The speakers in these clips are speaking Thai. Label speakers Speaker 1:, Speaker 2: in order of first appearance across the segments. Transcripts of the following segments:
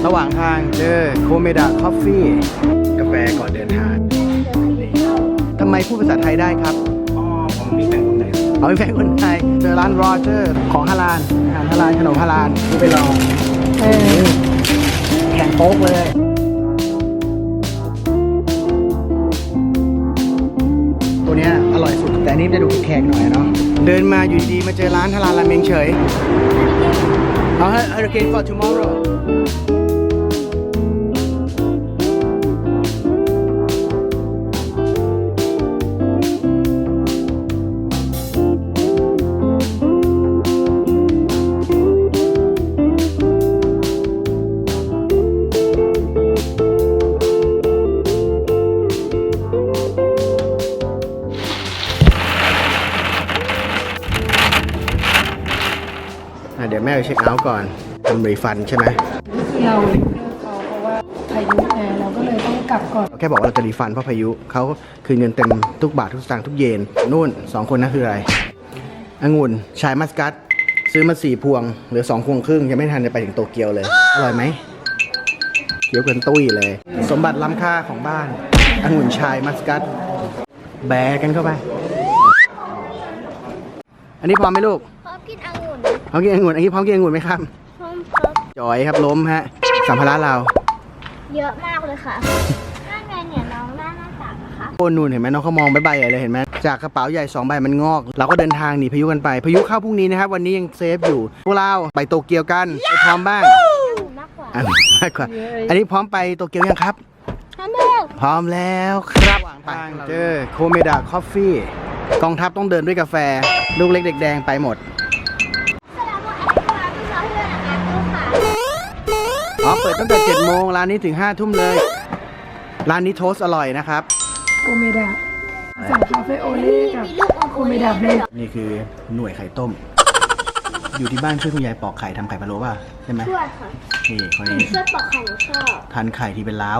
Speaker 1: ระหว่างทางเจอโคเมดะคอฟฟี่กาแฟก่อนเดินทางทำไมพูดภาษาไทยได้ครับผมมีแฟนคนไทยมีแฟนคนไทยเจอร้านโรเจอร์ของฮาลาลอาหารฮาลาลขนมฮาลาลไปลองแข่งโป๊กเลยตัวเนี้ยอร่อยสุดแต่อันนี้จะดูแขกหน่อยเนาะเดินมาอยู่ดีๆมาเจอร้านฮาลาลราเมงเฉยเอาให้ hurricane for tomorrowเดี๋ยวแม่ไปเช็คเอาท์ก่อนทำรีฟันใช่ไหม
Speaker 2: เราเลิกเขาเพราะว่าพายุไงเราก็เลยต้องกลับก่อน
Speaker 1: แค่บอกว่าเราจะรีฟันเพราะพายุเขาคืนเงินเต็มทุกบาททุกสตางค์ทุกเยนนู่น2คนนั่นคืออะไรองุ่นชายมัสกัสซื้อมา4 พวงเหลือ2 พวงครึ่งยังไม่ทันจะไปถึงโตเกียวเลยอร่อยไหมเขียวกันตุ้ยเลยสมบัติล้ำค่าของบ้านองุ่นชายมัสกัสแบกกันเข้าไปอันนี้พร้อมไหมลูก
Speaker 3: พร้อมกินองุ่น
Speaker 1: พร้อมกินองุ่นอันนี้พร้อมกินองุ่นไหมครับ
Speaker 3: พร้อมครับ
Speaker 1: จอยครับล้มฮะสัมภาระเรา
Speaker 3: เยอะมากเลยค่ะนั่นไงเนี่ยน้องหน้าต่างนะคะ
Speaker 1: โอนนู่นเห็นไหมน้องเขามองใบๆเลยเห็นไหมจากกระเป๋าใหญ่2 ใบมันงอกเราก็เดินทางหนีพายุกันไปพายุเข้าพรุ่งนี้นะครับวันนี้ยังเซฟอยู่พวกเราไปโตเกียวกันพร้อมบ้าง
Speaker 3: มากกว่า
Speaker 1: อันนี้พร้อมไปโตเกียวยังครับพร้อมแล้วครับทางเจอโคเมดะคอฟฟี่กองทัพต้องเดินด้วยกาแฟลูกเล็กเด็กแดงไปหมดอ๋อเปิดตั้งแต่7 โมงร้านนี้ถึง5 ทุ่มเลยร้านนี้โทสอร่อยนะครับ
Speaker 2: โคเมดะสั่งคาเฟ่โอเล่กับโคเมดะเบรด
Speaker 1: นี่คือหน่วยไข่ต้มอยู่ที่บ้านช่วยคุณยายปอกไข่ทำไข่พะโล้ป่ะใช่ไหม
Speaker 3: ช่วยค่ะ
Speaker 1: นี่คนนี้
Speaker 3: ช่วยปอกไข่หนูชอบ
Speaker 1: ทานไข่ที่เป็นล้าว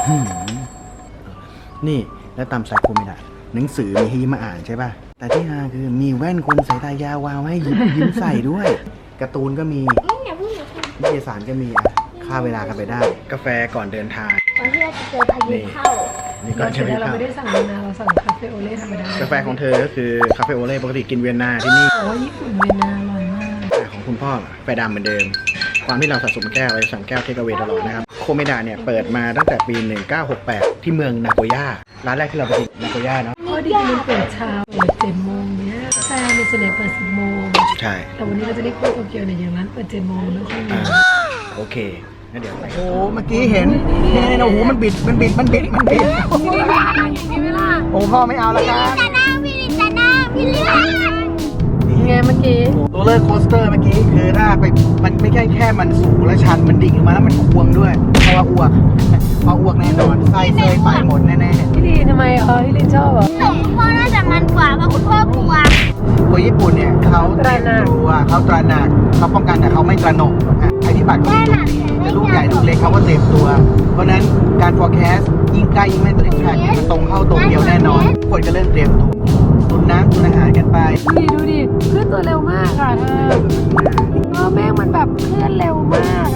Speaker 1: นี่แล้วตามใส่โคเมดะหนังสือมีให้ยิ้มมาอ่านใช่ป่ะแต่ที่ฮาคือมีแว่นคนสายตายาววาวให้ยิ้มใส่ด้วยการ์ตูนก็มีนิตยสารก็มีค่าเวลากันไปได้กาแฟก่อนเดินทาง
Speaker 3: ก่อนที่เราจะเจอพายุเข้า
Speaker 1: นี่ก่อนจะ
Speaker 2: เราไม่ได้สั่งเวียนนาเราสั่งคาเฟ่โอเล่ธรรมดาก
Speaker 1: าแฟของเธอก็คือคาเฟ่โอเล่ปกติกินเวียนนาที่นี่
Speaker 2: ญี่ปุ่นเวียนนาอร่อยมาก
Speaker 1: แต่ของคุณพ่อแฟดำเหมือนเดิมความที่เราสะสมแก้วเราสั่งแก้วเทคเอาเวย์ตลอดนะครับโคเมดะเนี่ยเปิดมาตั้งแต่ปี1968ที่เมืองนาโกย่าร้านแรกที่เราไปกินนาโกย่าเนาะ
Speaker 2: พอดีมันเปิดเช้าเปิด7 โมงเนี้ยแต่ในส่วนใหญ่เปิด10 โมง
Speaker 1: ใช่
Speaker 2: แต่วันนี้เราจะได้เข้าโตเกียวเนี่ยอย่างร้านเปิด7 โมงไม่ค่อยมี
Speaker 1: โอเคงั้นเดี๋ยวโอ้เมื่อกี้เห็นโอ้โหมันบิดนี่เวลาโอ้พ่อไม่เอาแล้วกัน
Speaker 3: จะนั่งพี่เลือก
Speaker 2: ไงเมื่อกี้
Speaker 1: ตัวเลอร์โคสเตอร์เมื่อกี้คือถ้าไปมันไม่แค่มันสูงและชันมันดิ่งลงมาแล้วมันอ้วงด้วยเพราะว่าอ้วกแน่นอนไส้เซยไปหมดแน่
Speaker 2: ๆพี่ลีทำไมพี่ลีชอบเหรอ
Speaker 3: พ่อน่าจะมันกว่าเพราะคุณพ่อกลัว
Speaker 1: คนญี่ปุ่นเนี่ยเขาตระหนักเขาตระหนักเขาป้องกันแต่เขาไม่ตระหนกภัยพิบัติจะลูกใหญ่ลูกเล็กเขาก็เต็มตัวเพราะนั้นการ forecast ยิ่งใกล้ยิ่งไม่ตรงแทร็กมันตรงเข้าตรงเดียวแน่นอนคนก็เริ่มเตรียมตัวตุนน้ำตุนอาหารกันไป
Speaker 2: ดูดิเคลื่อนตัวเร็วมากค่ะแม่งมันแบบเคลื่อนเร็วมาก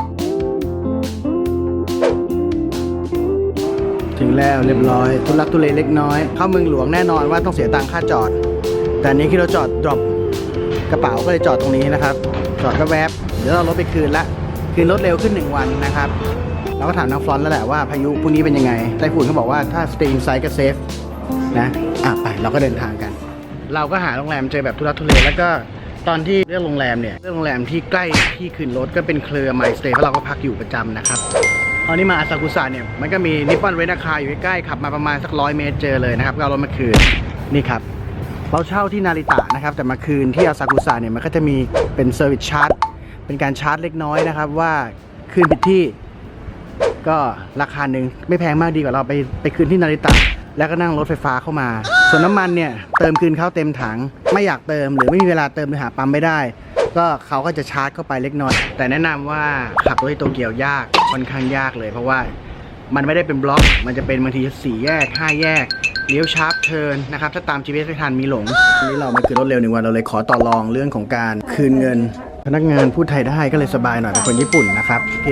Speaker 1: ถึงแล้วเรียบร้อยทุลักทุเลเล็กน้อยเข้าเมืองหลวงแน่นอนว่าต้องเสียตังค่าจอดแต่นี้ที่เราจอดดรอปกระเป๋าก็เลยจอดตรงนี้นะครับจอดก็แวบเดี๋ยวเรารถไปคืนรถเร็วขึ้น1 วันนะครับเราก็ถามน้องฟลอนแล้วแหละว่าพายุพรุ่งนี้เป็นยังไงไต้ฝุ่นเขาบอกว่าถ้า stay inside ก็ safe นะไปเราก็เดินทางกันเราก็หาโรงแรมเจอแบบทุลักทุเลแล้วก็ตอนที่เลือกโรงแรมเนี่ยเลือกโรงแรมที่ใกล้ที่คืนรถก็เป็นเครือ My Stay เพราะเราก็พักอยู่ประจำนะครับตอนนี้มาอาซากุสะเนี่ยมันก็มีนิปปอนเรนท์คาร์อยู่ใกล้ๆขับมาประมาณสัก100 เมตรเจอเลยนะครับก็เอารถมาคืนนี่ครับเราเช่าที่นาริตะนะครับแต่มาคืนที่อาซากุสะเนี่ยมันก็จะมีเป็นเซอร์วิสชาร์จเป็นการชาร์จเล็กน้อยนะครับว่าคืนผิดที่ก็ราคาหนึ่งไม่แพงมากดีกว่าเราไปคืนที่นาริตะแล้วก็นั่งรถไฟฟ้าเข้ามาส่วนน้ำมันเนี่ยเติมคืนเข้าเต็มถังไม่อยากเติมหรือไม่มีเวลาเติมหรือหาปั๊มไม่ได้ก็เขาก็จะชาร์จเข้าไปเล็กน้อยแต่แนะนำว่าขับรถที่โตเกียวยากค่อนข้างยากเลยเพราะว่ามันไม่ได้เป็นบล็อกมันจะเป็นบางที4 แยก5 แยกเลี้ยวชาร์ปเทิร์นนะครับถ้าตาม GPS ไม่ทันมีหลงวันนี้เรามาคืนรถเร็ว1 วันเราเลยขอต่อรองเรื่องของการคืนเงินพนักงานพูดไทยได้ก็เลยสบายหน่อยเป็นคนญี่ปุ่นนะครับโอเคเพราะว่าไต้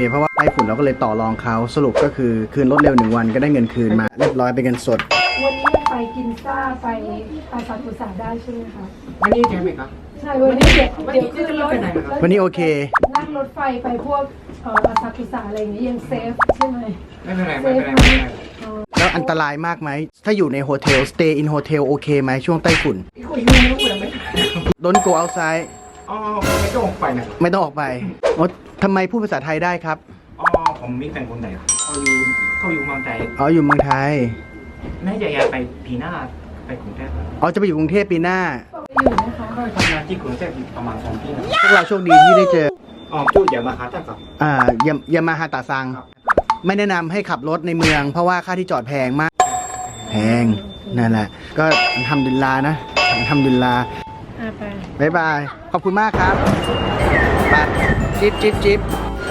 Speaker 1: ต้ฝุ่นเราก็เลยต่อรองเขาสรุปก็คือคืนรถเร็ว1 วันก็ได้เงินคืนมาเรียบร้อยเป็นเงินสด
Speaker 2: วันนี้ไปกินซ่าไปอาซากุสะได้ใช่ไหมคะ
Speaker 4: วันนี้ใช่ไหมครับ
Speaker 2: ใช่วันนี้เดี๋ยวขึ้นรถ
Speaker 1: วันนี้โอเค
Speaker 2: นั่งรถไฟไปพวกอาซากุสะอะไรอย่างนี้ยังเซฟใช่ไหม
Speaker 4: ไม่เป็นไรไม่เป็นไรไม่เป็นไร
Speaker 1: แล้วอันตรายมากไหมถ้าอยู่ในโฮเทล stay in hotel โอเคไหมช่วงไต้ฝุ่น
Speaker 4: คุยไม่รู้เลยไม่
Speaker 1: Don't go outside
Speaker 4: อ๋อไม่ต้องออกไปนะ
Speaker 1: ไม่ต้องออกไปโอ๊ยทำไมพูดภาษาไทยได้ครับ
Speaker 4: อ๋อผมมีแฟนคนไหนเขาอยู่เมืองไทย
Speaker 1: อ๋ออยู่เมืองไทย
Speaker 4: แม่จะย้ายไปปีหน้าไปกรุงเทพ
Speaker 1: อ๋อจะไปอยู่กรุงเทพปีหน้า
Speaker 2: อยู่นะคะ
Speaker 4: ก็ทำงานที่กรุงเทพอยู่ประมาณ2 ปีนะ
Speaker 1: พวกเราโชคดีที่ได้เจอ
Speaker 4: อ๋อจุดอย่ามาหาท่านครับ
Speaker 1: ยามาฮาตาซัง ไม่แนะนำให้ขับรถในเมือง เพราะว่าค่าที่จอดแพงมาก แพง นั่นแหละ ก็ทำดุลลาห์นะทำดุลลาห์
Speaker 2: ไป
Speaker 1: บ๊ายบาย ขอบคุณมากครับไปจิ๊บจิ๊บจิ๊บ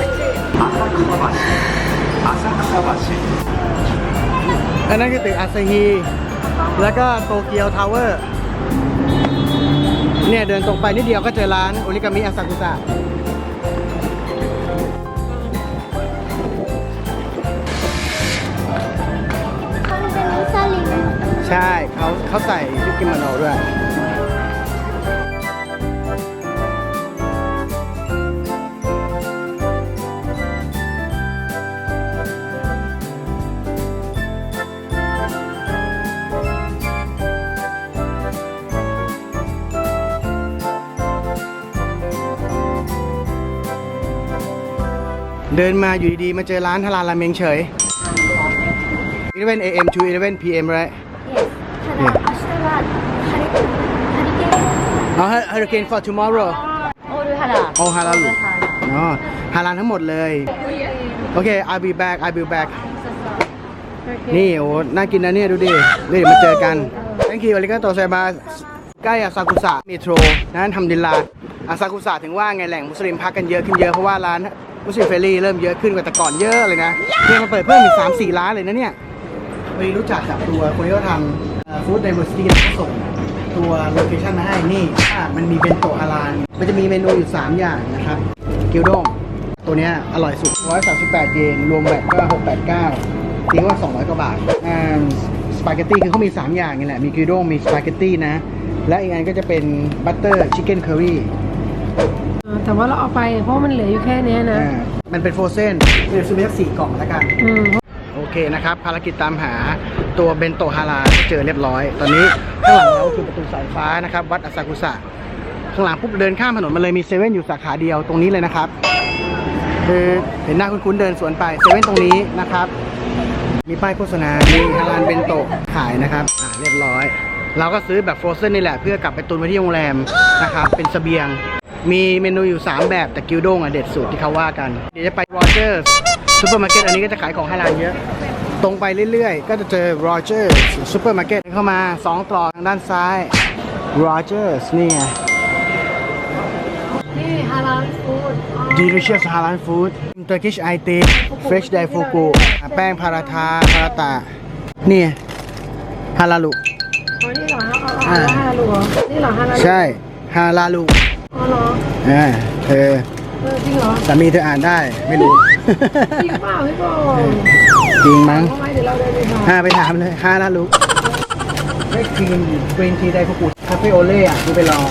Speaker 4: อาซาคาบาชิ
Speaker 1: อันนั้นคือตึกอาซาฮี แล้วก็โตเกียวทาวเวอร์ เนี่ยเดินตรงไปนิดเดียวก็เจอร้านโอริกามิอาซากุสะ
Speaker 3: เขาเป็นมุสลิม
Speaker 1: ใช่เขาใส่ชุดกิโมโนด้วย เดินมาอยู่ดีๆ มาเจอร้านฮาลาลราเมงเฉย 11 a.m. to 11 p.m. right
Speaker 3: ただ明日はハリケーン
Speaker 1: อ๋อ hurricane for tomorrow
Speaker 3: オールハラ
Speaker 1: โอ้ฮาลาลอ๋อฮาลาลทั้งหมดเลย โอเค I'll be back I'll be back นี่โอ้น่ากินนะเนี่ยดูดิเดี๋ยวมาเจอกัน thank you อาริกาโตไซมาใกล้อาซากุสะเมโทรนั้นทำดินลาอาซากุสะถึงว่าไงแหล่งมุสลิมพักกันเยอะขึ้นเยอะเพราะว่าร้านมุสลิมเฟรลี่เริ่มเยอะขึ้นกว่าแต่ก่อนเยอะเลยนะเนี่ยมาเปิดเพิ่มอีก 3-4 ร้านเลยนะเนี่ยไปรู้จักกับตัวคนที่เขาทำฟู้ดไดเวอร์ซิตี้เขาส่งตัวโลเคชั่นมาให้นี่มันมีเบนโตะฮาลาลมันจะมีเมนูอยู่ 3 อย่างนะครับกิวด้งตัวเนี้ยอร่อยสุด138 เยนรวมแบตก็689ตีว่า200 กว่าบาทสปาเกตตี้คือเขามี 3 อย่างนี่แหละมีกิวด้งมีสปาเกตตี้นะและอีกอันก็จะเป็นบัตเตอร์ชิคเก้นเคอรี่
Speaker 2: แต่ว่าเราเอาไปเพราะมันเหลืออยู่แค่เนี้ยนะ
Speaker 1: มันเป็นโฟรเซนเดี๋ยวซื้อไปสัก4 กล่องแล้วกัน โอเคนะครับ ภารกิจตามหาตัวเบนโตะฮาลาลเจอเรียบร้อย ตอนนี้ข้างหลังเราคือประตูสายฟ้านะครับ วัดอาซากุสะข้างหลังปุ๊บเดินข้ามถนนมาเลยมีเซเว่นอยู่สาขาเดียวตรงนี้เลยนะครับ คือเห็นหน้าคุ้นๆเดินสวนไปเซเว่นตรงนี้นะครับ มีป้ายโฆษณา มีฮาลาลเบนโตะขายนะครับเรียบร้อย เราก็ซื้อแบบโฟรเซนนี่แหละเพื่อกลับไปตุนไว้ที่โรงแรมนะครับเป็นเสบียง มีเมนูอยู่ 3 แบบแต่กิวด้งเด็ดสุดที่เขาว่ากันเดี๋ยวจะไปโรเจอร์ซูเปอร์มาร์เก็ตอันนี้ก็จะขายของฮาลาลเยอะตรงไปเรื่อยๆก็จะเจอโรเจอร์ซูเปอร์มาร์เก็ตเข้ามา2 ตรอกทางด้านซ้ายโรเจอร์นี่ไง
Speaker 2: นี่ฮาลาลฟู้ด
Speaker 1: delicious halal food Turkish I t fresh dai fugu แป้งพาราทาพาราตะนี่ฮาลาลุ
Speaker 2: อ๋อนี่เหรอฮาลาลูเหรอนี่เหรอฮาลาลู
Speaker 1: ใช่ฮาลาลุ
Speaker 2: อ๋อเหรอ
Speaker 1: เธอ
Speaker 2: จริงเหรอ
Speaker 1: สามีเธออ่านได้ไม่รู้
Speaker 2: จริงเปล่าพี่บอล
Speaker 1: จริงมั้ง
Speaker 2: ทำไมเดี๋ยวเราเดินไปหา
Speaker 1: ไปถามเลยฮาลาลุได้ครีมกรีนทีไดฟูกุคาเฟ่โอเล่ดูไปลอง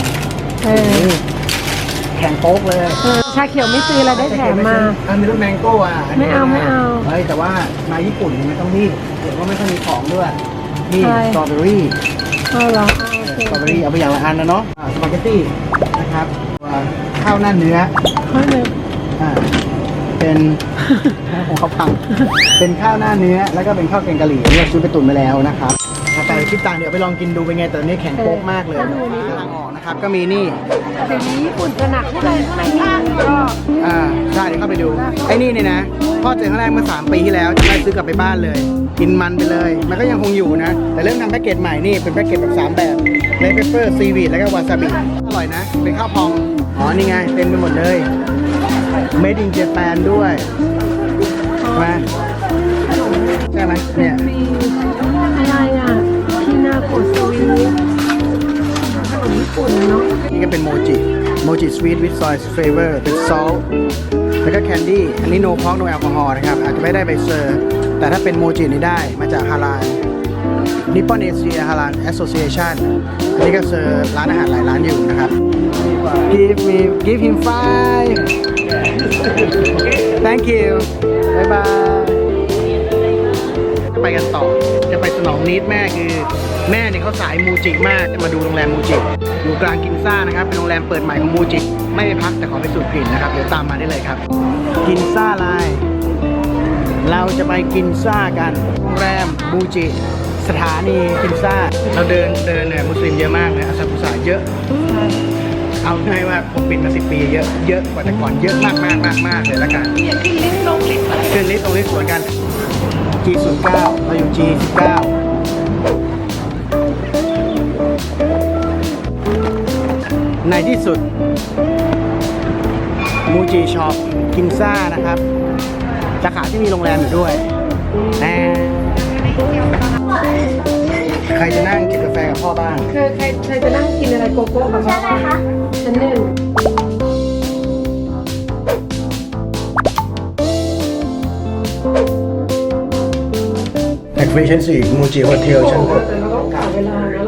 Speaker 1: แข่งโป๊กเลย
Speaker 2: ชาเขียวไม่ซื้อแล้วได้แถมมา
Speaker 1: มีรสแมงโก้นนี้
Speaker 2: ไม่เอา
Speaker 1: เฮ้ยแต่ว่ามาญี่ปุ่นไม่ต้องรีบเดี๋ยวก็ไม่ค่อยมีของด้วยนี่
Speaker 2: ใช่
Speaker 1: สตรอเบอรี่
Speaker 2: เอาเหรอโอเค
Speaker 1: สตรอเบอรี่เอาไปอย่างละอันนะเนาะสปาเกตตี้นะครับข้าวหน้าเนื้อ
Speaker 2: ข้าวหนึ่ง
Speaker 1: เป็นของเขาพังเป็นข้าวหน้าเนื้อแล้วก็เป็นข้าวแกงกะหรี่ที่เราซื้อไปตุ๋นมาแล้วนะครับแต่คิดต่างเดี๋ยวไปลองกินดูเป็นไงแต่ตอนนี้แข็งโป๊กมากเลยทางออกนะครับก็มีนี่
Speaker 2: เดี๋ยวนี้ญี่ปุ่นจะหนักข้างในมีก็
Speaker 1: ใช่เดี๋ยวเข้าไปดูไอ้นี่เนี่ยนะพ่อเจอครั้งแรกเมื่อ3 ปีที่แล้วจะได้ซื้อกลับไปบ้านเลย กินมันไปเลย มันก็ยังคงอยู่นะ แต่เริ่มทำแพ็กเกจใหม่นี่เป็นแพ็กเกจแบบ3 แบบเลเปเปอร์ซีวีดแล้วก็วาซาบิอร่อยนะเป็นข้าวพองอ๋อนี่ไงเต็มไปหมดเลย Made in Japan ด้วยมาใช่ไหมเนี่ย
Speaker 2: มีอะไรอ่ะพินาโกะสวีทขนมญี่ปุ่นเนาะ
Speaker 1: นี่ก็เป็นโมจิ Mochi Sweet with Soy Flavor with Salt แล้วก็ Candy อันนี้ no pork no alcohol นะครับ อาจจะไม่ได้ใบเซอร์ แต่ถ้าเป็นโมจินี่ได้มาจากฮาลาล Nippon Asia Halal Association อันนี้ก็เซอร์ร้านอาหารหลายร้านอยู่นะครับ Give him 5 Thank you บ๊ายบายจะไปกันต่อ จะไปสนองนิดแม่คือแม่เนี่ยเขาสายมูจิมากจะมาดูโรงแรมมูจิอยู่กลางกินซ่านะครับ เป็นโรงแรมเปิดใหม่ของมูจิไม่ไปพักแต่ขอไปสูดกลิ่นนะครับ เดี๋ยวตามมาได้เลยครับ กินซ่าไลน์เราจะไปกินซ่ากันโรงแรมมูจิสถานีกินซ่าเราเดินเนี่ยมุสลิมเยอะมากเลยอาซากุสะเยอะ เอาง่ายว่าผมปิดมา10 ปีเยอะกว่าแต่ก่อนเยอะมากเลยละกัน
Speaker 2: อยากขึ้นลิฟต์ลงลิฟต์อะไร
Speaker 1: ขึ้นลิฟต์ตรงลิฟต์สวนกัน G09 เราอยู่ G19 ในที่สุดมูจิช็อปกินซ่านะครับสาขาที่มีโรงแรมอยู่ด้วยแต่ใครจะนั่งกินกาแฟกับพ่อบ้าง
Speaker 2: ใครจะนั่งกินอะไรโกโก้กับพ่อ
Speaker 3: ใช่ไหมคะ
Speaker 2: ชั้นหนึ่ง
Speaker 1: แอคฟิเชนซี่มูจิโฮเทลชั้น
Speaker 2: แต่เราต้องกะเวลานะ